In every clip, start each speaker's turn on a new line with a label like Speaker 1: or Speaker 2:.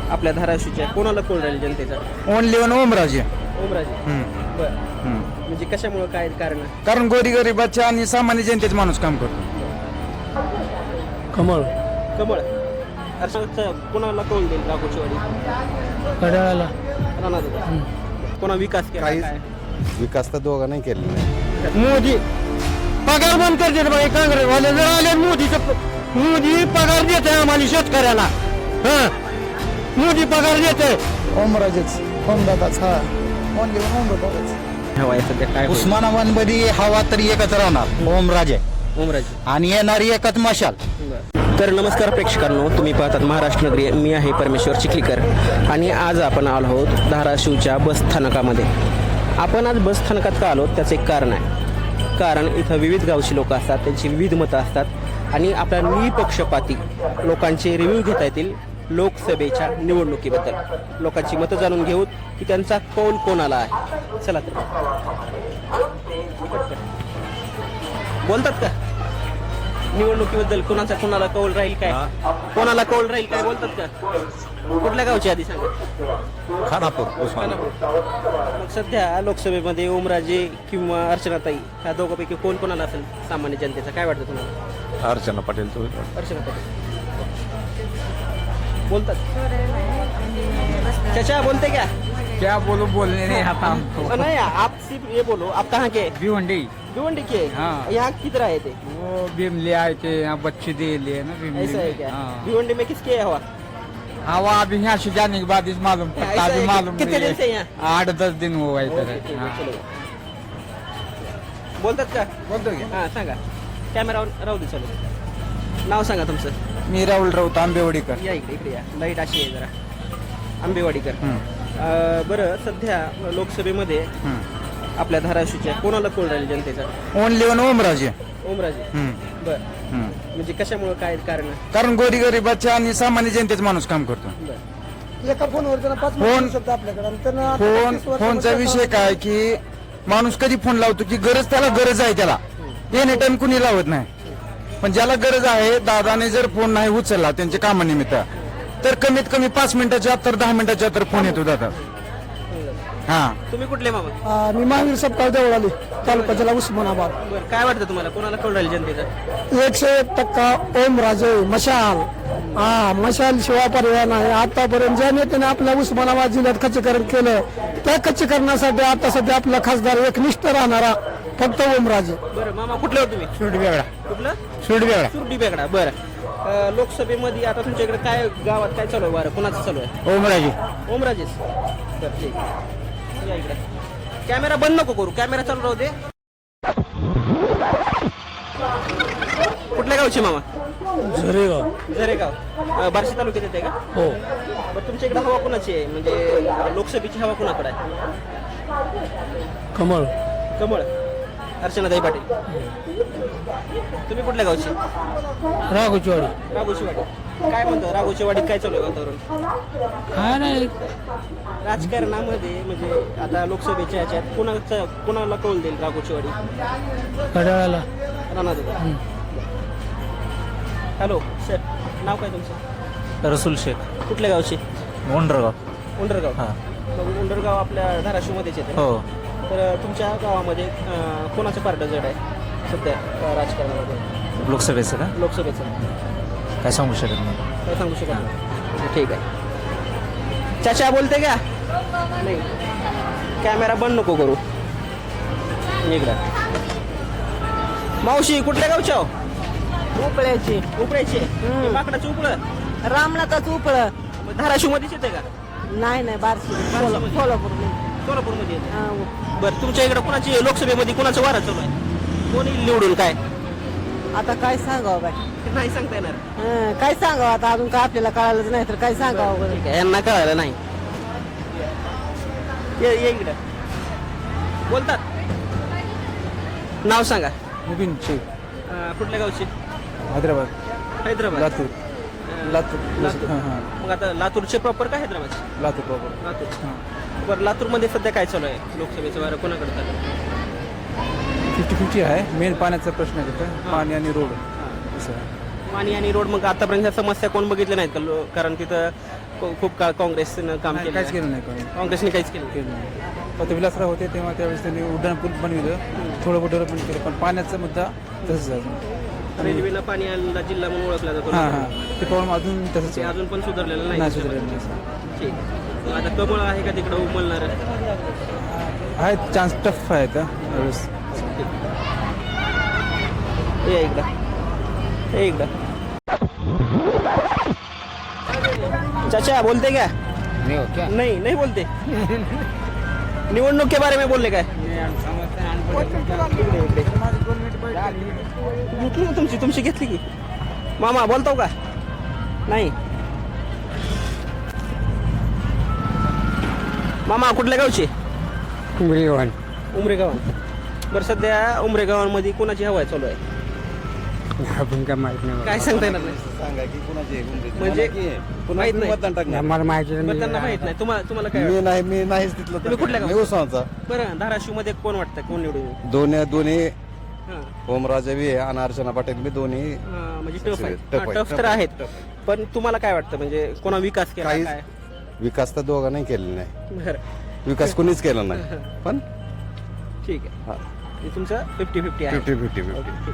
Speaker 1: आपल्या धाराशिवच्या कोणाला कोण राहील जनतेचा?
Speaker 2: Only one Omraje.
Speaker 1: ओमराजे. बरं. म्हणजे कशामुळे काय कारण?
Speaker 2: कारण गोरीगरिबाच्या आणि सामान्य जनतेचे माणूस काम करतो.
Speaker 3: कमळ.
Speaker 1: कमळ. अर्चनाचा कोणाला कौल देईल राघोचीवाडी?
Speaker 3: घड्याळाला.
Speaker 1: राणा कोणा विकास केला काय?
Speaker 4: विकास तर दोघा नाही केलेला.
Speaker 3: मोदी पगार बंद करते बाई काँग्रेसवाले जर आले मोदी पगार देते आम्हाला शेतकऱ्याला. मोदी पगार देते.
Speaker 2: ओमराजेच ओमदादाच. हा ओनली वन ओमदादाच.
Speaker 1: हवा आहे सध्या काय?
Speaker 5: उस्मानाबाद मध्ये हवा तरी एकच राहणार ओमराजे
Speaker 1: ओमराजे.
Speaker 5: आणि येणारी एकच मशाल.
Speaker 1: तर नमस्कार प्रेक्षकांनो, तुम्ही पाहतात महाराष्ट्र नगरी. मी आहे परमेश्वर चिखलीकर आणि आज आपण आलो आहोत धाराशिवच्या बस स्थानकामध्ये. आपण आज बस स्थानकात का आलो त्याचं एक कारण आहे. कारण इथं विविध गावची लोक असतात, त्यांची विविध मतं असतात आणि आपल्या निपक्षपाती लोकांचे रिव्ह्यू घेता येतील लोकसभेच्या निवडणुकीबद्दल. लोकांची मतं जाणून घेऊ की त्यांचा कौल कोणाला आहे. चला तर बोलतात का निवडणुकीबद्दल? कोणाला कौल राहील काय? कोणाला कौल राहील काय बोलतात का? कुठल्या गावची आधी सांगा?
Speaker 4: खानापूर उस्मानाबाद.
Speaker 1: मग सध्या लोकसभेमध्ये ओमराजे किंवा अर्चनाताई ह्या दोघांपैकी कोणाला असेल सामान्य जनतेचा? काय वाटतं तुम्हाला?
Speaker 4: अर्चना पाटील.
Speaker 1: अर्चना पाटील बोलतात. चाचा बोलते क्या?
Speaker 2: क्या बोलने नहीं आता हमको.
Speaker 1: नहीं, आप सिर्फ ये बोलो, आप कहाँ के?
Speaker 2: भिवंडी.
Speaker 1: भिवंडी के?
Speaker 2: हाँ.
Speaker 1: यहाँ किधर आए थे?
Speaker 2: वो भीमले आए थे, यहाँ बच्चे दे लिए ना भीमले.
Speaker 1: ऐसा है क्या?
Speaker 2: हाँ.
Speaker 1: भिवंडी में किसके है हवा?
Speaker 2: हवा अभी यहाँ से जाने के बाद इस मालूम
Speaker 1: ऐसा
Speaker 2: पड़ता.
Speaker 1: है
Speaker 2: अभी
Speaker 1: क्या?
Speaker 2: मालूम
Speaker 1: कितने
Speaker 2: नहीं
Speaker 1: दिन से यहाँ?
Speaker 2: है. 8-10 दिन हुआ इधर.
Speaker 1: ओके, ठीक आहे,
Speaker 2: हाँ.
Speaker 1: चलो. बोलतात का?
Speaker 2: बोलतो की?
Speaker 1: हा सांगा. कॅमेरा राहू दे. चलो, नाव सांगा तुमचं.
Speaker 2: मी राहुल राऊत आंबेवाडीकर.
Speaker 1: या इकडे या. लाईट अशी आहे जरा. आंबेवाडीकर. बरं, सध्या लोकसभेमध्ये आपल्या धाराशिवच्या कोणाला कोण राहील जनतेचा?
Speaker 2: Only one Omraje.
Speaker 1: ओमराजे. बर. म्हणजे कशामुळे काय कारण?
Speaker 2: कारण गोरीगरिबाच्या आणि सामान्य जनतेचे माणूस काम करतो.
Speaker 3: एका फोनवर त्यांना 5
Speaker 2: फोन-
Speaker 3: शब्द आपल्याकडे आणि त्यांना आता 35
Speaker 2: फोनचा
Speaker 3: वर्षामध्ये
Speaker 2: विषय काय की माणूस कधी फोन लावतो की त्याला गरज आहे, त्याला एनी टाइम कुणी लावत नाही. पण ज्याला गरज आहे, दादाने जर फोन नाही उचलला त्यांच्या कामानिमित्त तर कमीत कमी 5 मिनिटाच्या आत तर 10 मिनिटाच्या आत तर फोन येतो दादा. हा.
Speaker 1: तुम्ही कुठले मामा?
Speaker 3: मी महावीर सपकाळ देवळाली तालुका जिल्हा उस्मानाबाद.
Speaker 1: बरं, काय वाटतं तुम्हाला कोणाला कोण राहील जनतेचा?
Speaker 3: 101% ओमराजे मशाल. मशाल शिवाय पर्याय नाही. आतापर्यंत ज्या नेत्याने आपल्या उस्मानाबाद जिल्ह्यात खच्चीकरण केलं त्या खच्चीकरणासाठी आता सध्या आपला खासदार एकनिष्ठ राहणारा फक्त ओमराजे.
Speaker 1: बरं मामा, कुठले हो तुम्ही?
Speaker 2: सुरडी वेगळा.
Speaker 1: कुठलं?
Speaker 2: सुरडी वेगळा.
Speaker 1: सुरडी बेगडा. बरं, लोकसभेमध्ये आता तुमच्या इकडे काय गावात काय चालू आहे? बरं, कोणाचं चालू आहे?
Speaker 2: ओमराजे.
Speaker 1: ओमराजेच. बरं, ठीक. या इकडे. कॅमेरा बंद नको करू, कॅमेरा चालू राहू दे. कुठल्या गावचे मामा? झरेगाव. बार्शी तालुक्यात येते का?
Speaker 3: हो.
Speaker 1: बरं, तुमच्या इकडे हवा कोणाची आहे? म्हणजे लोकसभेची हवा कोणाकडे आहे?
Speaker 3: कमळ.
Speaker 1: कमळ. अर्चनाताई पाटील. तुम्ही कुठल्या गावचे?
Speaker 3: राघोचीवाडी.
Speaker 1: राघोचीवाडी. काय म्हणतो राघोचीवाडीत काय चालू आहे वातावरण?
Speaker 3: काय नाही.
Speaker 1: राजकारणामध्ये म्हणजे आता लोकसभेच्या ह्याच्यात कोणाला कौल देईल राघोचीवाडी?
Speaker 3: घड्याळाला.
Speaker 1: राणा. हॅलो सर, नाव काय तुमचं?
Speaker 5: रसूल शेख.
Speaker 1: कुठल्या गावचे?
Speaker 5: ओंडरगाव.
Speaker 1: उंडरगाव. मग उंडरगाव आपल्या धाराशिवमध्येच येते.
Speaker 5: हो.
Speaker 1: तर तुमच्या गावामध्ये कोणाचं पार्ट जड आहे सध्या राजकारणामध्ये?
Speaker 5: लोकसभेचं का?
Speaker 1: लोकसभेचं
Speaker 5: काय सांगू शकत नाही.
Speaker 1: काय सांगू शकत नाही. ठीक आहे. चाचा बोलते का? नाही. कॅमेरा बंद नको करू. इकडं. मावशी कुठल्या गावच्या हो?
Speaker 6: उपळ्याची.
Speaker 1: उपळ्याचे. माकडाचं उपळं.
Speaker 6: रामनाथाच उपळ.
Speaker 1: धाराशिव मध्येच येते का?
Speaker 6: नाही बारशी. सोलापूर.
Speaker 1: सोलापूरमध्ये येते. बरं, तुमच्या इकडे कुणाची लोकसभेमध्ये कुणाचं वारं चालू आहे? कोणी निवडून काय?
Speaker 6: आता काय सांगावं बाय?
Speaker 1: नाही सांगता येणार.
Speaker 6: काय सांगावं आता? अजून काय आपल्याला कळालंच नाही तर काय सांगावं?
Speaker 1: ठीक आहे, यांना कळालं नाही. ये इकडे. बोलतात. नाव सांगा.
Speaker 2: मुबीन शेख.
Speaker 1: कुठल्या गावची?
Speaker 2: हैदराबाद.
Speaker 1: हैदराबाद.
Speaker 2: लातूर. लातूर.
Speaker 1: लातूर.
Speaker 2: हां, हां.
Speaker 1: मग आता लातूरचे प्रॉपर का हैदराबादचे?
Speaker 2: लातूर प्रॉपर.
Speaker 1: लातूर. बरं, लातूरमध्ये सध्या काय चालू आहे? लोकसभेचं वारं कोणाकडे चालू आहे?
Speaker 2: 50-50 आहे. मेन पाण्याचा प्रश्न आहे तिथं, पाणी आणि रोड असं आहे.
Speaker 1: पाणी आणि रोड. मग आतापर्यंत ह्या समस्या कोण बघितल्या नाहीत का? कारण तिथं खूप काळ काँग्रेसनं काम केलं
Speaker 7: काहीच केलं नाही
Speaker 1: काँग्रेसने काहीच केलं
Speaker 7: होते विलासराव होते तेव्हा त्यावेळेस त्यांनी उड्डाण पूल बनविलं थोडं मोठं पण केलं पण पाण्याचा मुद्दा तसंच आहे अजून.
Speaker 1: रेल्वेनं पाणी आलेला जिल्हा म्हणून ओळखला जातो
Speaker 7: हां हां ते प्रॉब्लेम अजून तसंच
Speaker 1: ते
Speaker 7: आहे.
Speaker 1: अजून पण सुधारलेलं नाही
Speaker 7: नाही सुधारलेलं नाही.
Speaker 1: ठीक आता कमळ आहे का तिकडं उमलणार
Speaker 7: आहे चान्स टफ आहे आता यावेळेस.
Speaker 1: ये एकदा चाचा बोलते क्या नहीं नहीं बोलते निवडणूक के बारे में बोलले काय घेतली का तुमची घेतली की मामा बोलतो का नाही मामा कुठल्या गावचे उमरेगाव बरं सध्या उमरेगावांमध्ये कोणाची हवा चालू आहे
Speaker 3: आपण काय माहित नाही
Speaker 1: काय सांगता येणार नाही
Speaker 4: सांगा की कुणाची
Speaker 1: म्हणजे माहित नाही
Speaker 4: मतदान टाकणार
Speaker 3: मला माहिती
Speaker 1: बरं त्यांना माहित नाही तुम्हाला काय
Speaker 4: मी नाही मी नाहीच तिथलं
Speaker 1: तुम्ही कुठल्या
Speaker 4: मी
Speaker 1: गावचा?
Speaker 4: उस्मानचा
Speaker 1: बरं धाराशिव मध्ये कोण वाटतं कोण निवडून येईल?
Speaker 4: दोन्ही
Speaker 1: हां.
Speaker 4: ओमराजे बी आहे आणि अर्चना पाटील मी दोन्ही
Speaker 1: म्हणजे टफ आहे
Speaker 4: टफ आहे,
Speaker 1: टफ तर
Speaker 4: टफ आहे,
Speaker 1: आहेत पण तुम्हाला काय वाटतं म्हणजे कोणा विकास केला
Speaker 4: काहीच
Speaker 1: काय
Speaker 4: विकास तर दोघा नाही केलेला नाही
Speaker 1: बरं
Speaker 4: विकास कोणीच केला नाही पण
Speaker 1: ठीक आहे हे तुमचं 50-50 आहे
Speaker 4: 50-50
Speaker 1: ओके, ठीक.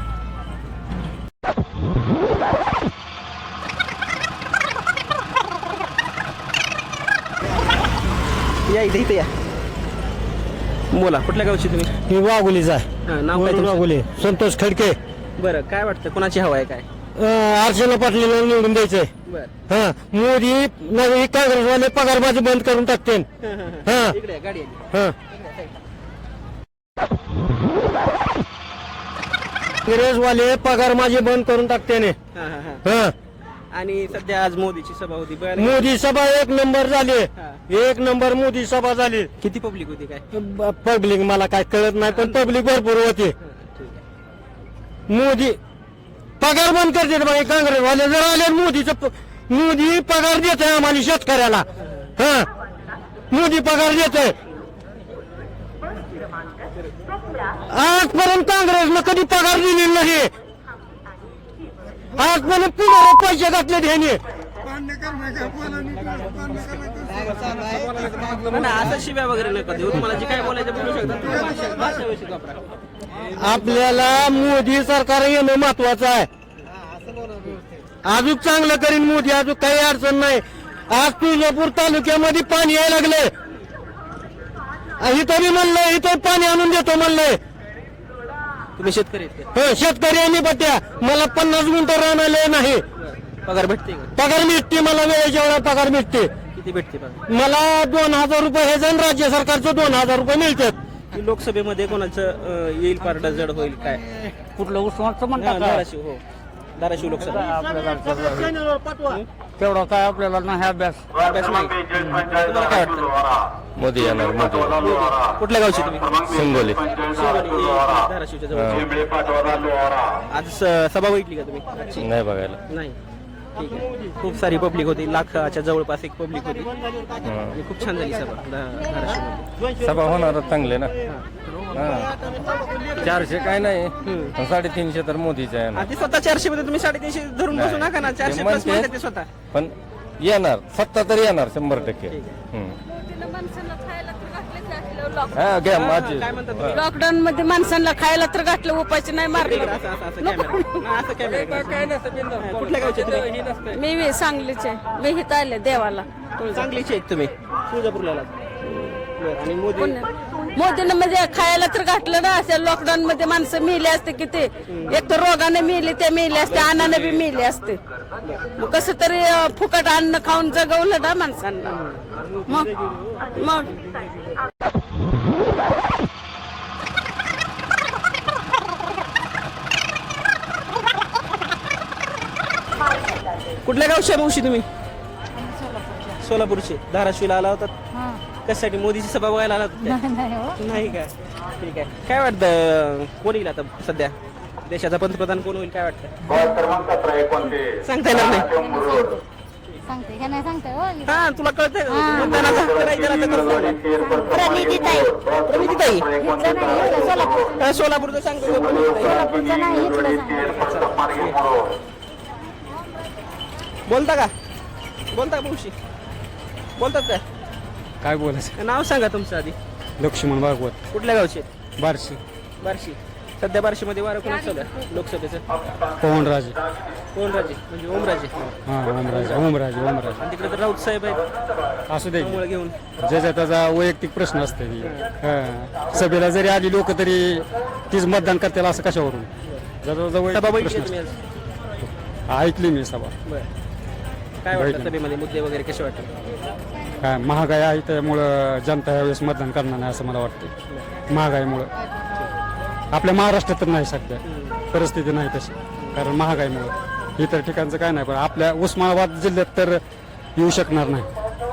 Speaker 1: या इथे या बोला कुठल्या गावची तुम्ही
Speaker 3: मी वाघोलीचा आहे
Speaker 1: हां, नाव काय तुमचं?
Speaker 3: वाघोली संतोष खडके
Speaker 1: बरं काय वाटतं कोणाची हवा आहे काय
Speaker 3: अर्चना पाटलीला निवडून द्यायचंय
Speaker 1: बरं
Speaker 3: हा मोदी नवी काँग्रेसवाले पगारबाजी बंद करून टाकते हां.
Speaker 1: इकडे या, गाडी आली
Speaker 3: हा काँग्रेसवाले पगारबाजी बंद करून टाकते
Speaker 1: हां, हां, हां.
Speaker 3: हा
Speaker 1: आणि सध्या आज मोदीची सभा होती बरं
Speaker 3: मोदी सभा एक नंबर झाली
Speaker 1: हा.
Speaker 3: एक नंबर मोदी सभा झाली
Speaker 1: किती पब्लिक होती काय
Speaker 3: पब्लिक मला काय कळत नाही पण पब्लिक भरपूर होती
Speaker 1: हां, ठीक आहे.
Speaker 3: मोदी पगार बंद करते बघा काँग्रेसवाले जर आले मोदी पगार देत आहे आम्हाला शेतकऱ्याला हा मोदी पगार देत आहे आजपर्यंत काँग्रेसनं कधी पगार दिलेला नाही आजपर्यंत पुढे पैसे घातले ह्याने
Speaker 1: ना असं शिव्या वगैरे नका देऊ तुम्हाला जे काय बोलायचं बोलू शकता भाषा व्यवस्थित वापरा
Speaker 3: आपल्याला मोदी सरकार येणं महत्वाचं आहे अजून चांगलं करीन मोदी अजून काही अडचण नाही आज तुळजापूर तालुक्यामध्ये पाणी यायला लागले इथं मी म्हणलंय इथं पाणी आणून देतो म्हणलंय
Speaker 1: तुम्ही शेतकरी आहेत का?
Speaker 3: हो शेतकरी आणि बट्या मला 50 गुंठ राहणार नाही
Speaker 1: पगार भेटते का
Speaker 3: पगार मिळते मला वेळेच्या वेळा पगार मिळते
Speaker 1: किती भेटते पगार
Speaker 3: मला 2000 रुपये हे जण राज्य सरकारचं 2000 रुपये मिळतात
Speaker 1: की लोकसभेमध्ये कोणाचं येईल पारडा जड होईल काय
Speaker 5: कुठलं उस्मानचं
Speaker 1: हां, धाराशिव हो धाराशिव लोकसभा
Speaker 5: तेवढा काय आपल्याला नाही अभ्यास
Speaker 1: अभ्यास नाही तुम्हाला काय वाटतं
Speaker 4: मोदी येणार मोदी
Speaker 1: कुठल्या गावची तुम्ही
Speaker 4: हिंगोली
Speaker 1: शिवगडी, धाराशिवच्या जवळ आज सभा बघितली का तुम्ही आजची?
Speaker 4: नाही बघायला
Speaker 1: नाही ठीक आहे खूप सारी पब्लिक होती लाखाच्या जवळपास एक पब्लिक होती आणि खूप छान झाली सभा धाराशिवमध्ये
Speaker 8: सभा होणार चांगले ना 400 काय नाही 350 तर मोदीचे आहे ना
Speaker 1: आणि ते स्वतः 400 मध्ये तुम्ही 350 धरून बसू नका ना 400
Speaker 8: ते
Speaker 1: प्लस
Speaker 8: म्हणते.
Speaker 1: म्हणतात ते स्वतः
Speaker 8: पण येणार सत्ता तर येणार 100%. हा घ्या माझी
Speaker 1: काय म्हणतात तुम्ही?
Speaker 9: लॉकडाऊन मध्ये माणसांना खायला तर घातलं उपायचे नाही मारलं
Speaker 1: असं कॅमेरा कुठल्या गावचे तुम्ही
Speaker 9: मी सांगलीचे मी हित आले देवाला
Speaker 1: चांगलीचे आहेत तुम्ही तुळजापूरला आलात. बरं, आणि मोदी
Speaker 9: मोदीनं म्हणजे खायला तर घातलं ना अशा लॉकडाऊन मध्ये माणसं मेली असते किती एक तर रोगाने मेली ते मेले असते अन्नाने बी मेले असते मग कसं तरी फुकट अन्न खाऊन जगवलं ना माणसांना मग
Speaker 1: कुठल्या गावच्या मावशी तुम्ही सोलापूरचे धाराशिवला आला होता कशासाठी मोदीची सभा बघायला आला होता नाही का ठीक आहे काय वाटतं कोण येईल आता सध्या देशाचा पंतप्रधान कोण होईल काय वाटतं सांगता येणार नाही
Speaker 10: सांगते का नाही सांगते हो
Speaker 1: हा तुला कळतंय मतदानाचा हक्क नाही दिला तर कसं होईल?
Speaker 10: प्रणितीताई
Speaker 1: प्रणितीताई
Speaker 10: इथलं नाही इथलं सोलापूर
Speaker 1: सोलापूरचं सांगतो प्रणितीताई.
Speaker 10: सोलापूरचं नाही इथलं सांगते
Speaker 1: बोलता का मावशी बोलतात काय
Speaker 7: काय बोलायचं
Speaker 1: नाव सांगा तुमचं आधी.
Speaker 7: लक्ष्मण भागवत
Speaker 1: कुठल्या गावचे?
Speaker 7: बारशी
Speaker 1: बार्शी. सध्या बार्शीमध्ये वारं कोणाचं चालू आहे लोकसभेचं?
Speaker 7: पवनराजे
Speaker 1: ओमराजे म्हणजे ओमराजे.
Speaker 7: हां ओमराजे
Speaker 1: आणि तिकडे तर राऊत साहेब आहेत
Speaker 7: असू दे
Speaker 1: त्यामुळे घेऊन.
Speaker 7: ज्याचा त्याचा वैयक्तिक प्रश्न असते सभेला जरी आली लोक तरी तीच मतदान करतील असं कशावरून
Speaker 1: सभा
Speaker 7: प्रश्न
Speaker 1: बघितली तुम्ही आज?
Speaker 7: असतो. ऐकली मी सभा
Speaker 1: बरं. काय वाटतं सभेमध्ये मुद्दे वगैरे कसे वाटतात?
Speaker 7: काय महागाई आहे त्यामुळं जनता यावेळेस मतदान करणार नाही असं मला वाटतं. महागाईमुळं आपल्या महाराष्ट्रात तर नाही सध्या परिस्थिती नाही तशी कारण महागाईमुळं इतर ठिकाणचं काय नाही पण आपल्या उस्मानाबाद जिल्ह्यात तर येऊ शकणार नाही.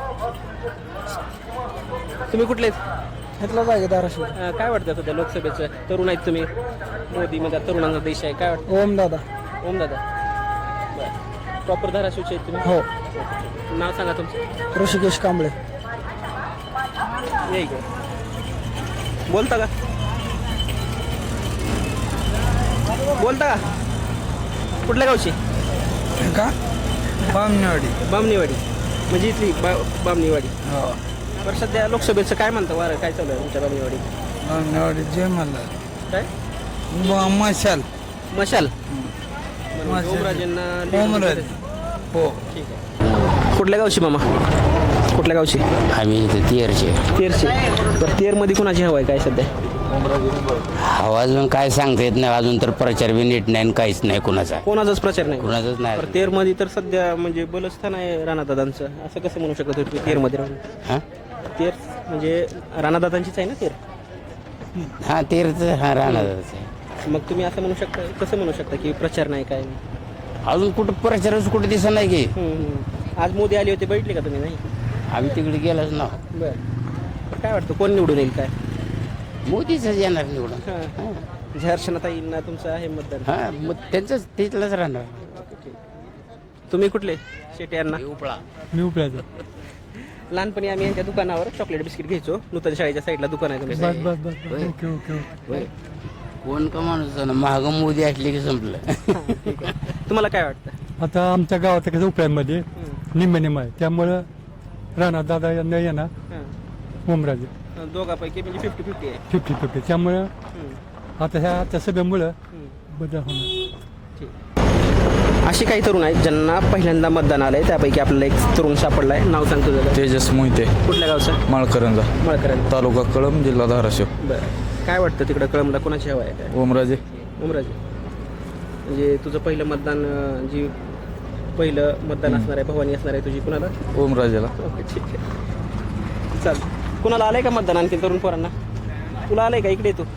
Speaker 1: तुम्ही कुठले आहेत?
Speaker 3: घेतला जागे धाराशिव.
Speaker 1: काय वाटतं सध्या लोकसभेचं? तरुण आहेत तुम्ही, मोदी म्हणजे तरुणांचा देश आहे, काय वाटतं?
Speaker 3: ओम दादा.
Speaker 1: ओम दादा प्रॉपर धाराशिवचे आहेत तुम्ही?
Speaker 3: हो.
Speaker 1: नाव सांगा तुमचं.
Speaker 3: ऋषिकेश कांबळे.
Speaker 1: ये इकडे. बोलता का? बोलता का? कुठल्या गावची?
Speaker 3: का बामनेवाडी.
Speaker 1: बामणीवाडी म्हणजे इथली बामणीवाडी. बरं सध्या लोकसभेचं काय म्हणतं वारं काय चालू आहे तुमच्या बामणीवाडी?
Speaker 3: बामनेवाडी जय मल्हार.
Speaker 1: काय
Speaker 3: मशाल.
Speaker 1: मशाल
Speaker 3: मशाल.
Speaker 1: ओमराजेंना
Speaker 3: ओमराजे. हो.
Speaker 1: ठीक आहे. कुठल्या गावची मामा? कुठल्या गावची?
Speaker 11: आम्ही इथे तेरचे.
Speaker 1: तेरची. बरं तेरमध्ये कुणाची हवा आहे काय सध्या?
Speaker 11: हवा अजून काय सांगता येत नाही अजून तर प्रचार बी नीट नाही आणि काहीच नाही कुणाचा
Speaker 1: कोणाचाच प्रचार नाही.
Speaker 11: कुणाचाच नाही
Speaker 1: बरं तेरमध्ये तर सध्या म्हणजे बलस्थान आहे राणादादांचं, असं कसं म्हणू शकत होते तेरमध्ये राहून?
Speaker 11: हा
Speaker 1: तेर म्हणजे राणादादांचीच आहे ना तेर?
Speaker 11: हा तेरच हा राहणार
Speaker 1: मग तुम्ही असं म्हणू शकता, कसं म्हणू शकता की प्रचार नाही काय नाही?
Speaker 11: अजून कुठं प्रचारच कुठे दिसत नाही की
Speaker 1: आज मोदी आले होते बघितले का तुम्ही? नाही
Speaker 11: आम्ही तिकडे गेलोच ना.
Speaker 1: बरं काय वाटतं कोण निवडून येईल काय?
Speaker 11: मोदीच येणार निवडून.
Speaker 1: झर्षणाताईंना तुमचं आहे मतदान?
Speaker 11: हा मग त्यांचंच तिथलंच राहणार.
Speaker 1: तुम्ही कुठले? शेटे यांना?
Speaker 7: मी उपळ्याचा.
Speaker 1: लहानपणी आम्ही यांच्या दुकानावर चॉकलेट बिस्किट घ्यायचो. नूतन शाळेच्या साईडला दुकान आहे तुमचं.
Speaker 11: ओके. कोण का माणूस महाग मोदी असले की संपलं.
Speaker 1: तुम्हाला काय वाटतं?
Speaker 7: आता आमच्या गावात कसं उपळ्यामध्ये निम्म आहे त्यामुळं राणा दादा यांना येणार ओमराजे
Speaker 1: दोघांपैकी म्हणजे 50-50 आहे.
Speaker 7: 50-50 त्यामुळं आता ह्या सभेमुळं बदल होणार.
Speaker 1: अशी काही तरुण आहेत ज्यांना पहिल्यांदा मतदान आलंय, त्यापैकी आपल्याला एक तरुण सापडलाय. नाव सांगतो जरा.
Speaker 2: तेजस मोहिते.
Speaker 1: कुठल्या गावचं?
Speaker 2: माळकरंजा.
Speaker 1: मळकरंज.
Speaker 2: तालुका कळंब जिल्हा धाराशिव.
Speaker 1: बरं काय वाटतं तिकडं कळमला कोणाची हवा आहे काय?
Speaker 2: ओमराजे.
Speaker 1: उमराजे म्हणजे तुझं पहिलं मतदान जी पहिलं मतदान असणार आहे भवानी असणार आहे तुझी कुणाला?
Speaker 2: ओमराजेला.
Speaker 1: ओके ठीक आहे चाल. कुणाला आलंय का मतदान आणखी तरुण पोरांना? तुला आलंय का? इकडे तू.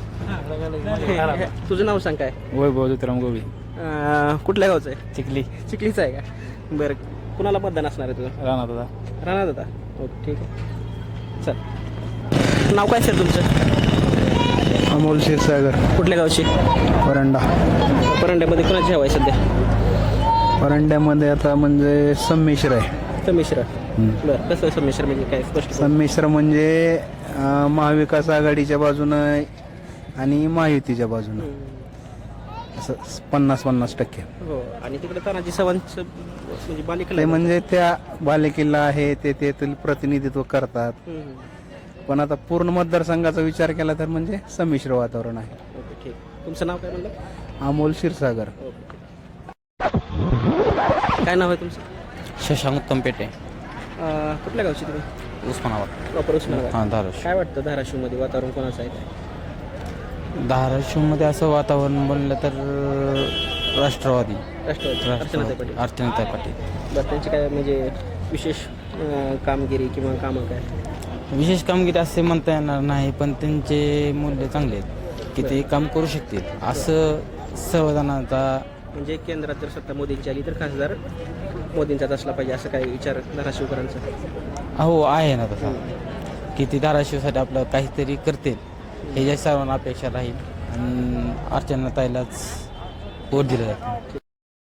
Speaker 1: तुझं नाव सांग काय?
Speaker 7: वैभव ज्योतिराम गोबी.
Speaker 1: कुठल्या गावचं आहे?
Speaker 7: चिखली.
Speaker 1: चिखलीचं आहे का? बरं कुणाला मतदान असणार आहे तुझं?
Speaker 7: राणा दादा.
Speaker 1: राणा दादा. ओके ठीक आहे चल. नाव काय सर तुमचं?
Speaker 3: अमोल क्षीरसागर.
Speaker 1: कुठल्या गावची?
Speaker 3: परंडा.
Speaker 1: परंड्यामध्ये कुणाची हवा आहे सध्या?
Speaker 3: परंड्यामध्ये आता म्हणजे संमिश्र आहे.
Speaker 1: संमिश्र. बरं कसं संमिश्र म्हणजे काय स्पष्ट?
Speaker 3: संमिश्र म्हणजे महाविकास आघाडीच्या बाजूनं आणि महायुतीच्या बाजूनं असं 50-50%.
Speaker 1: हो आणि तिकडे तानाजी सावंत म्हणजे बालिकेला
Speaker 3: ते म्हणजे त्या बालेकिल्ला आहे ते तेथील प्रतिनिधित्व करतात. पण आता पूर्ण मतदारसंघाचा विचार केला तर म्हणजे संमिश्र वातावरण आहे.
Speaker 1: ओके ठीक. तुमचं नाव काय म्हणलं?
Speaker 3: अमोल क्षीरसागर.
Speaker 1: काय नाव आहे तुमचं?
Speaker 11: शशांक उत्तम पेटे.
Speaker 1: कुठल्या गावची तुम्ही?
Speaker 11: उस्मानाबाद.
Speaker 1: प्रॉपर उस्मानाबाद.
Speaker 11: हां धाराशिव.
Speaker 1: काय वाटतं धाराशिवमध्ये वातावरण कोणाचं आहे काय?
Speaker 11: धाराशिवमध्ये असं वातावरण बनलं तर राष्ट्रवादी.
Speaker 1: राष्ट्रवादी. अर्चनाताई पाटील.
Speaker 11: अर्चनाताई पाटील.
Speaker 1: बरं त्यांची काय म्हणजे विशेष कामगिरी किंवा कामं काय?
Speaker 11: विशेष कामगिरी असे म्हणता येणार नाही पण त्यांचे मूल्य चांगले आहेत की ते काम करू शकतील असं संविधानाचा.
Speaker 1: म्हणजे केंद्रात जर सत्ता मोदींची आली तर खासदार मोदींचाच असला पाहिजे असं काही विचार धाराशिवकरांचा?
Speaker 11: हो आहे ना तसा की ते धाराशिवसाठी आपलं काहीतरी करतील हे ज्या सर्वांना अपेक्षा राहील आणि अर्चनाताईलाच वोट दिलं जातं.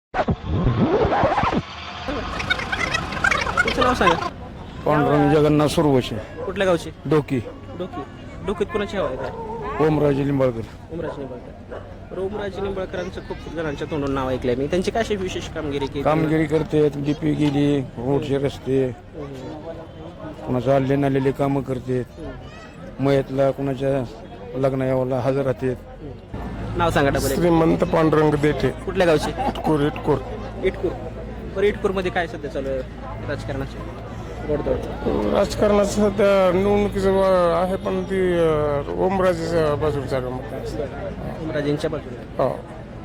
Speaker 1: तुमचं नाव सांगा.
Speaker 2: पांडुरंग जगन्नाथ सुरवशी.
Speaker 1: कुठल्या गावची?
Speaker 2: डोकी.
Speaker 1: डोकीत कोणाची हवा आहे काय?
Speaker 2: ओमराजे लिंबाळकर.
Speaker 1: ओमराजे निंबाळकर. बरं ओमराजे निंबाळकरांचं खूप जणांच्या तोंडून नाव ऐकलंय मी. त्यांची काय अशी विशेष कामगिरी केली?
Speaker 2: कामगिरी करते डीपी गेली रोडचे रस्ते कुणाचं आले नालेले कामं करतात, मयतला कुणाच्या लग्न यावाला हजर राहतात.
Speaker 1: नाव सांगा डबल एक.
Speaker 3: श्रीमंत पांडुरंग देठे
Speaker 1: कुठल्या गावचे?
Speaker 3: इटकूर इटकूर
Speaker 1: इटकूर. बरं, इटकूरमध्ये काय सध्या चालू आहे राजकारणाचे गोडदोड?
Speaker 3: राजकारणाचं सध्या निवडणुकीचं आहे, पण ती ओमराजेच्या बाजूला चालू मग
Speaker 1: राजेंच्या बाजूला.
Speaker 3: हो.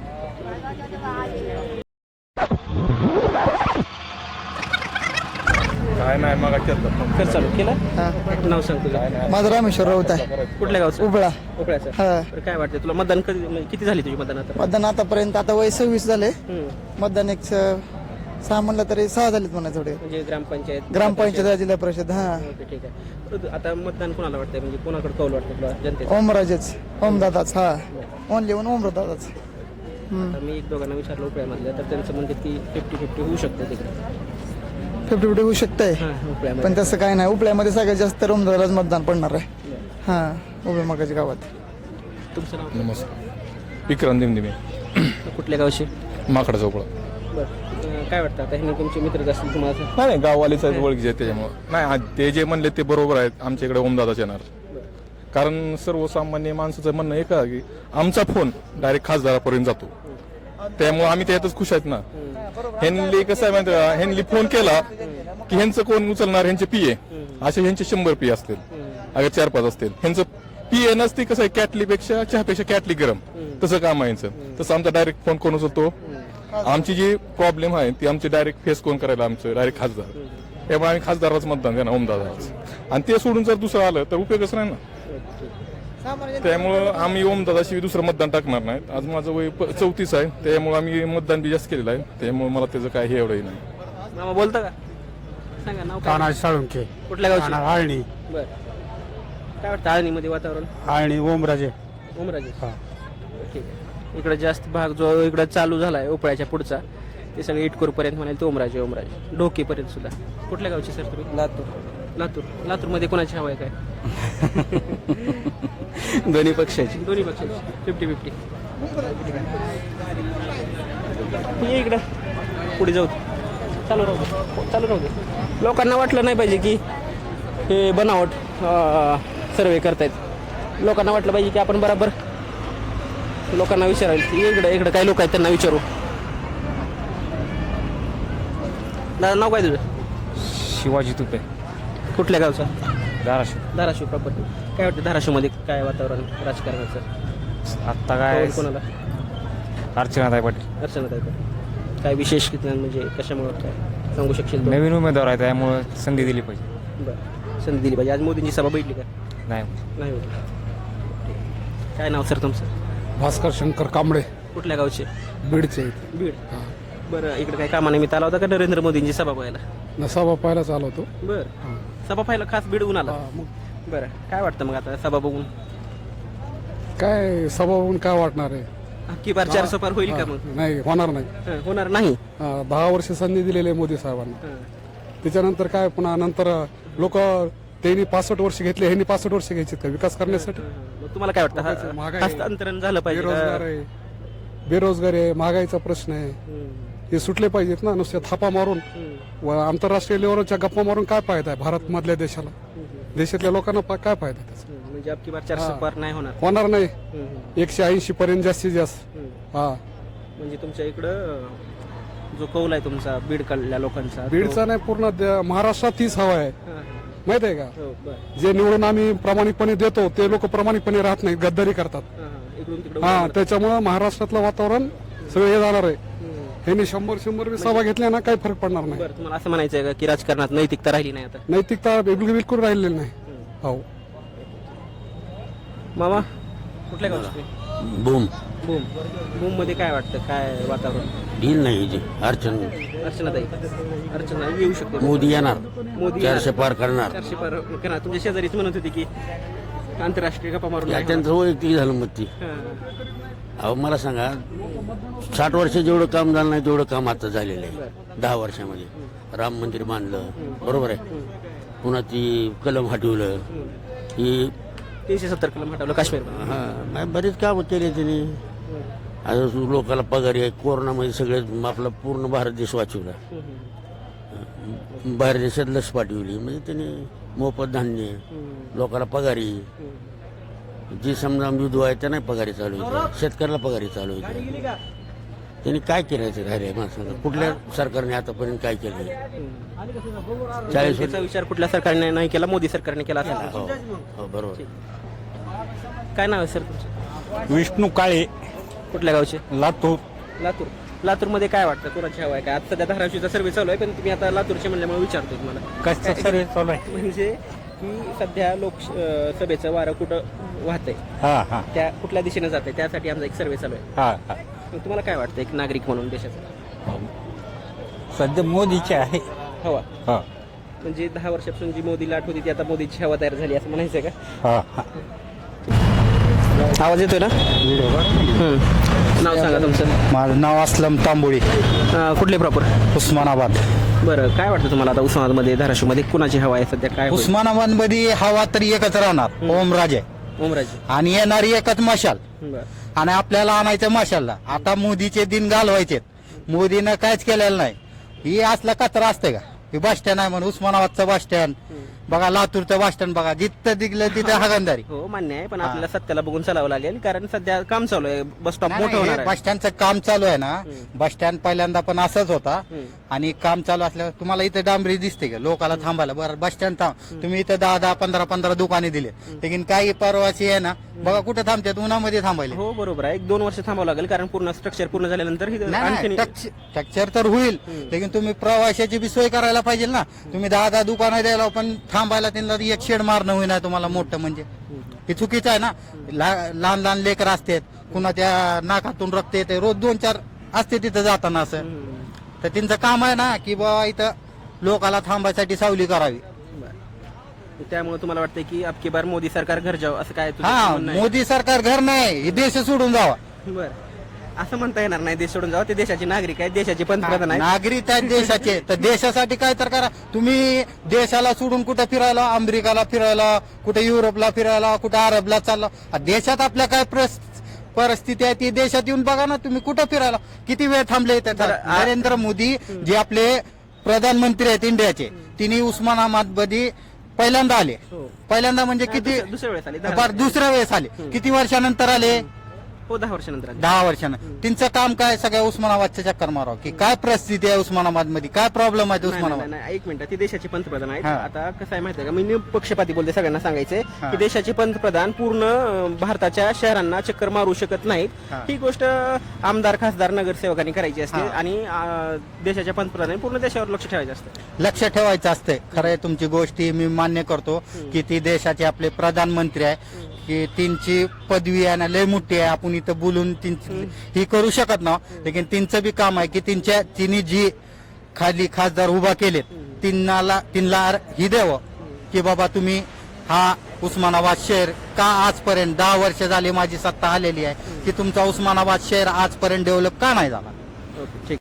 Speaker 2: काय नाही मग
Speaker 1: कर चालू केलं. नाव सांग तुझं.
Speaker 3: माझं रामेश्वर राऊत आहे,
Speaker 1: कुठल्या गावचं?
Speaker 3: उपळा.
Speaker 1: उपळ्याचं.
Speaker 3: हा.
Speaker 1: बरं, काय वाटतं तुला मतदान कधी म्हणजे किती झाली तुझी मतदान आता?
Speaker 3: मतदान आतापर्यंत आता वय 26 झाले.
Speaker 1: हम्म.
Speaker 3: मतदान एक 6 म्हणलं तरी 6 झालेत म्हणा थोडे.
Speaker 1: म्हणजे ग्रामपंचायत
Speaker 3: ग्रामपंचायत, जिल्हा परिषद. हा,
Speaker 1: ओके, ठीक आहे. बरं, आता मतदान कोणाला वाटतंय म्हणजे कोणाकडे कौल वाटतं तुला जनतेचं?
Speaker 3: ओमराजेच, ओमदादाच. हा, ओनली ओमदादाच.
Speaker 1: आता मी एक दोघांना विचारलं उपळ्यामधलं, तर त्यांचं म्हणते की 50-50 होऊ शकतं तिकडे.
Speaker 3: 50-50 होऊ शकतंय,
Speaker 1: उपळ्यामध्ये.
Speaker 3: पण तसं काय नाही. उपळ्यामध्ये सगळ्यात जास्त ओमदादालाच मतदान पडणार आहे. हा, उभे मगाच्या गावात.
Speaker 1: तुमचं नाव?
Speaker 2: नमस्कार. विक्रांत दिमदिमे,
Speaker 1: कुठल्या गावशी?
Speaker 2: माकडा चौकळा.
Speaker 1: बरं, काय वाटतं आता हे तुमचे मित्रच असतील तुम्हाला?
Speaker 2: नाही गाववालेच आहेत, ओळखीचे आहेत त्याच्यामुळे. नाही ते जे म्हणले ते बरोबर आहेत. आमच्या इकडे ओमदादाच येणार, कारण सर्वसामान्य माणसाचं म्हणणं एक आहे की आमचा फोन डायरेक्ट खासदारापर्यंत जातो, त्यामुळे आम्ही त्यातच खुश आहेत ना. ह्यांनी कसं आहे माहिती का, ह्यांनी फोन केला की ह्यांचं कोण उचलणार, ह्यांचे पीए असे ह्यांचे 100 पीए असतील, अगर 4-5 असतील. ह्यांचं पीए नसते, कसं आहे कॅटलीपेक्षा चहापेक्षा कॅटली गरम, तसं काम आहे यांचं. तसं आमचा डायरेक्ट फोन कोण उचलतो. आमची जी प्रॉब्लेम आहे ती आमची डायरेक्ट फेस कोण करायला, आमचं डायरेक्ट खासदार. त्यामुळे आम्ही खासदाराच मतदान देणार, ओमदादाच. आणि ते सोडून जर दुसरं आलं तर उपयोगच नाही ना. त्यामुळं आम्ही ओमदादाशी दुसरं मतदान टाकणार नाही. आज माझं वय 34 आहे, त्यामुळे आम्ही मतदान बी जास्त केलेलं आहे, त्यामुळे मला त्याचं काय हे एवढंही नाही.
Speaker 1: मामा बोलता का? सांगा नाव काय?
Speaker 3: तानाजी साळुंखे,
Speaker 1: कुठल्या गावची?
Speaker 3: आळणी.
Speaker 1: बरं, काय वाटतं आळणीमध्ये वातावरण?
Speaker 3: आळणी ओमराजे.
Speaker 1: ओमराजे. ठीक आहे. इकडे जास्त भाग जो इकडे चालू झालाय उपळ्याच्या पुढचा, ते सगळे इटकूर पर्यंत म्हणाल ते ओमराजे. ओमराजे ढोकीपर्यंत सुद्धा. कुठल्या गावची सर तुम्ही?
Speaker 6: लातूर.
Speaker 1: लातूर. लातूरमध्ये कोणाची हवा आहे काय? दोन्ही पक्षाची. दोन्ही पक्षाची 50-50. ये इकडं पुढे जाऊ. चालू राहू दे, चालू राहू दे. लोकांना वाटलं नाही पाहिजे की हे बनावट सर्वे करतायत. लोकांना वाटलं पाहिजे की आपण बरोबर लोकांना विचारायला. इकडे काही लोक आहेत त्यांना विचारू. दादा नाव काय तुझं?
Speaker 11: शिवाजी तुपे,
Speaker 1: कुठल्या गावचं?
Speaker 11: धाराशिव.
Speaker 1: धाराशिव प्रॉपर्टी. काय वाटतं धाराशिवमध्ये काय वातावरण राजकारणाचं?
Speaker 11: आत्ता काय
Speaker 1: कोणाला?
Speaker 11: अर्चनाताई पाटील
Speaker 1: अर्चनाताई पाटील. काय विशेष म्हणजे कशामुळे काय सांगू शकशील?
Speaker 11: नवीन उमेदवार आहे, त्यामुळे संधी दिली पाहिजे.
Speaker 1: बरं, संधी दिली पाहिजे. आज मोदींची सभा बैठली का?
Speaker 11: नाही
Speaker 1: नाही होती. काय नाव सर तुमचं?
Speaker 3: भास्कर शंकर कांबळे,
Speaker 1: कुठल्या गावचे?
Speaker 3: बीडचे.
Speaker 1: बीड. बरं, इकडे काय कामानिमित्त आला होता का नरेंद्र मोदींची सभा पाहायला?
Speaker 3: नसाबा पाहायला चालू होतो.
Speaker 1: बरं, सभा पाहायला खास बीडहून आला? बरं, काय वाटतं मग आता सभा बघून?
Speaker 3: काय सभा बघून काय वाटणार आहे?
Speaker 1: अख्खी बार 400 पार होईल का मग?
Speaker 3: नाही, होणार नाही.
Speaker 1: होणार नाही.
Speaker 3: 10 वर्ष संधी दिलेली आहे मोदी साहेबांना. त्याच्यानंतर काय पुन्हा नंतर लोक त्यांनी 65 वर्ष घेतले, ह्यांनी 65 वर्ष घ्यायचे का विकास करण्यासाठी?
Speaker 1: मग तुम्हाला काय वाटतं
Speaker 3: महागाई,
Speaker 1: हस्तांतरण झालं पाहिजे
Speaker 3: बेरोजगार
Speaker 1: का?
Speaker 3: आहे, बेरोजगारी आहे, महागाईचा प्रश्न आहे. हे सुटले पाहिजेत ना. नुसते थापा मारून व आंतरराष्ट्रीय लेवलच्या गप्पा मारून काय फायदा आहे भारत मधल्या देशाला? देशातल्या लोकांना काय फायदा आहे त्याचा?
Speaker 1: म्हणजे अख्खी बार 400 पार नाही होणार.
Speaker 3: होणार नाही. 180 पर्यंत जास्तीत जास्त. हा,
Speaker 1: म्हणजे तुमच्या इकडं जो कौल आहे तुमचा बीडकडल्या लोकांचा,
Speaker 3: बीडचा नाही, पूर्ण महाराष्ट्रात तीच हवा आहे. माहित आहे का?
Speaker 1: हो, बरं.
Speaker 3: जे निवडून आम्ही प्रामाणिकपणे देतो ते लोक प्रामाणिकपणे राहत नाहीत, गद्दारी करतात.
Speaker 1: इकडून तिकडे.
Speaker 3: हा, त्याच्यामुळे महाराष्ट्रातलं वातावरण सगळं हे जाणार आहे. ह्यांनी 100 सभा घेतल्या ना, काही फरक पडणार नाही.
Speaker 1: बरं, तुम्हाला असं म्हणायचं आहे का की राजकारणात नैतिकता राहिली नाही आता?
Speaker 3: नैतिकता बिलकुल राहिलेली नाही. हो.
Speaker 1: मामा कुठल्या गावचे?
Speaker 11: Boom
Speaker 1: boom. बूम मध्ये काय वाटतं, काय वातावरण?
Speaker 11: डील नाही
Speaker 1: अर्चनाताई. अर्चना येऊ शकते.
Speaker 11: मोदी येणार,
Speaker 1: मोदी
Speaker 11: 400 पार करणार.
Speaker 1: 400 पार करणार. तुमच्या शेजारीच म्हणत होती की आंतरराष्ट्रीय गप्पा मारून नाही
Speaker 11: त्यांचं वैयक्तिक झालं मत ती.
Speaker 1: होणार.
Speaker 11: अहो मला सांगा, 60 वर्ष जेवढं काम झालं नाही तेवढं काम आता झालेलं आहे 10 वर्षामध्ये. राम मंदिर बांधलं, बरोबर आहे. पुन्हा ती कलम हटवलं, ही
Speaker 1: 370 कलम हटवलं काश्मीर.
Speaker 11: हा, बरेच काम केले त्यांनी. आता लोकांना पगार आहे. कोरोनामध्ये सगळे आपला पूर्ण भारत देश वाचवला. बाहेर देशात लस पाठवली म्हणजे त्यांनी मोफत धान्य लोकांना पगारी जी समजा विधवा आहे त्यांना पगारी चालू होत्या शेतकऱ्याला पगारी चालू होत्या त्यांनी काय करायचं राहिले मला सांगा कुठल्या सरकारने आतापर्यंत काय केलं 40
Speaker 1: त्याचा विचार कुठल्या सरकारने नाही केला, मोदी सरकारने केला असेल.
Speaker 11: हो हो बरोबर.
Speaker 1: काय नाव आहे सर तुमचं?
Speaker 5: विष्णू काळे,
Speaker 1: कुठल्या गावचे?
Speaker 5: लातूर.
Speaker 1: लातूर. लातूरमध्ये काय वाटतं कोणाची हवा आहे काय? आता सध्या धाराशिवचा सर्वे चालू आहे, पण तुम्ही आता लातूरचे म्हणल्यामुळे विचारतो तुम्हाला
Speaker 5: कसा सर्वे चालू आहे?
Speaker 1: म्हणजे की सध्या लोकसभेचं वारं कुठं वाहतंय,
Speaker 5: हा हा
Speaker 1: त्या कुठल्या दिशेने जाते त्यासाठी आमचा एक सर्वे चालू आहे.
Speaker 5: हा हा.
Speaker 1: मग तुम्हाला काय वाटतं एक नागरिक म्हणून देशाचा
Speaker 5: सध्या मोदीचे आहे.
Speaker 1: हवा?
Speaker 5: हा
Speaker 1: म्हणजे 10 वर्षापासून जी मोदी लाट होती ती आता मोदीची हवा तयार झाली असं म्हणायचं का?
Speaker 5: हा हा.
Speaker 1: आवाज येतोय ना? नाव सांगा तुमचं.
Speaker 2: माझं नाव असलम तांबोळी,
Speaker 1: कुठले प्रॉपर?
Speaker 2: उस्मानाबाद.
Speaker 1: बरं, काय वाटतं तुम्हाला आता उस्मानाबादमध्ये धाराशिवमध्ये कुणाची हवा आहे सध्या? काय होईल?
Speaker 2: उस्मानाबाद मध्ये हवा तरी एकच राहणार, ओमराजे.
Speaker 1: ओमराजे.
Speaker 2: आणि येणारी एकच मशाल,
Speaker 1: बरं.
Speaker 2: आणि आपल्याला आणायचं मशालला. आता मोदीचे दिन घालवायचे, मोदीनं काहीच केलेलं नाही. ही असला कचरा असते का? हे बस स्टँड आहे म्हणून उस्मानाबादचं बस स्टँड बघा, लातूरचं बस स्टँड बघा, जिथं दिगलं तिथं हागंदारी.
Speaker 1: हो मान्य आहे, पण आपल्याला सत्याला बघून चालावं लागेल कारण सध्या काम चालू आहे, बस स्टॉप मोठं होणार आहे.
Speaker 2: बस स्टँडचं काम चालू आहे ना, बस स्टँड पहिल्यांदा पण असंच होता. आणि काम चालू असल्यावर तुम्हाला इथं डांबरी दिसते का लोकाला थांबायला? बरं, बस स्टँड थांब, तुम्ही इथं 10-10, 15-15 दुकाने दिले, लेकिन काही परवाची आहे ना, बघा कुठे थांबतात, उन्हामध्ये थांबायले.
Speaker 1: हो बरोबर आहे, 1-2 वर्ष थांबावं लागेल कारण पूर्ण स्ट्रक्चर पूर्ण झाल्यानंतर आणखी
Speaker 2: स्ट्रक्चर तर होईल, लेकिन तुम्ही प्रवाशाची बी सोय करायला पाहिजे ना. तुम्ही 10-10 दुकानं द्यायला पण थांबायला त्यांना एक शेड मारणं होईना तुम्हाला मोठं, म्हणजे हे चुकीचं आहे ना. लहान लहान लेकर असतात, पुन्हा त्या नाकातून रक्त येते, रोज 2-4 असते तिथं जाताना. असं तर त्यांचं काम आहे ना की बाबा इथं लोकाला थांबायसाठी सावली करावी.
Speaker 1: त्यामुळे तुम्हाला वाटतं की अबकी बार मोदी सरकार घर जावं असं काय तुझं
Speaker 2: हा,
Speaker 1: म्हणणं आहे?
Speaker 2: मोदी सरकार घर नाही, हे देश सोडून जावा.
Speaker 1: बरं, असं म्हणता येणार नाही देश सोडून जावं, ते देशाचे नागरिक आहेत, देशाचे पंतप्रधान आहेत.
Speaker 2: नागरिक आहेत देशाचे, तर देशासाठी काय तर करा. तुम्ही देशाला सोडून कुठं फिरायला, अमेरिकाला फिरायला, कुठे युरोपला फिरायला, कुठे अरबला चालला. देशात आपल्या काय परिस्थिती आहे ती देशात येऊन बघा ना. तुम्ही कुठं फिरायला, किती वेळ थांबले इथे? नरेंद्र मोदी जे आपले प्रधानमंत्री आहेत इंडियाचे, तिने उस्मानाबाद मध्ये पहिल्यांदा आले. पहिल्यांदा म्हणजे किती?
Speaker 1: दुसऱ्या वेळेस आले.
Speaker 2: बरं, दुसऱ्या वेळेस आले. किती वर्षानंतर आले?
Speaker 1: हो, 10 वर्षानंतर आले.
Speaker 2: 10 वर्षानं. त्यांचं काम काय? सगळ्या उस्मानाबादच्या चक्कर मारावं की काय परिस्थिती आहे उस्मानाबाद मध्ये, काय प्रॉब्लेम आहे
Speaker 1: नाही,
Speaker 2: उस्मानाबाद.
Speaker 1: नाही, नाही, एक मिनिट, ते देशाचे पंतप्रधान आहेत.
Speaker 2: हा.
Speaker 1: आता कसं आहे माहिती आहे का, मी निपक्षपाती बोलते, सगळ्यांना सांगायचंय की देशाचे पंतप्रधान पूर्ण भारताच्या शहरांना चक्कर मारू शकत नाहीत. ही गोष्ट आमदार, खासदार, नगरसेवकांनी करायची असते आणि देशाच्या पंतप्रधानांनी पूर्ण देशावर लक्ष ठेवायचं असतं.
Speaker 2: लक्ष ठेवायचं असते. खरं आहे तुमची गोष्टी, मी मान्य करतो की ती देशाचे आपले प्रधानमंत्री आहे, की त्यांची पदवी आहे ना लय मोठी आहे, आपण इथं बोलून ही करू शकत ना. लेकिन त्यांचं बी काम आहे की तिने जी खाली खासदार उभा केलेत तिन्हाला ही द्यावं की बाबा तुम्ही हा उस्मानाबाद शहर का आजपर्यंत 10 वर्ष झाली माझी सत्ता आलेली आहे की तुमचा उस्मानाबाद शहर आजपर्यंत डेव्हलप का नाही झाला.
Speaker 1: ओके, ठीक.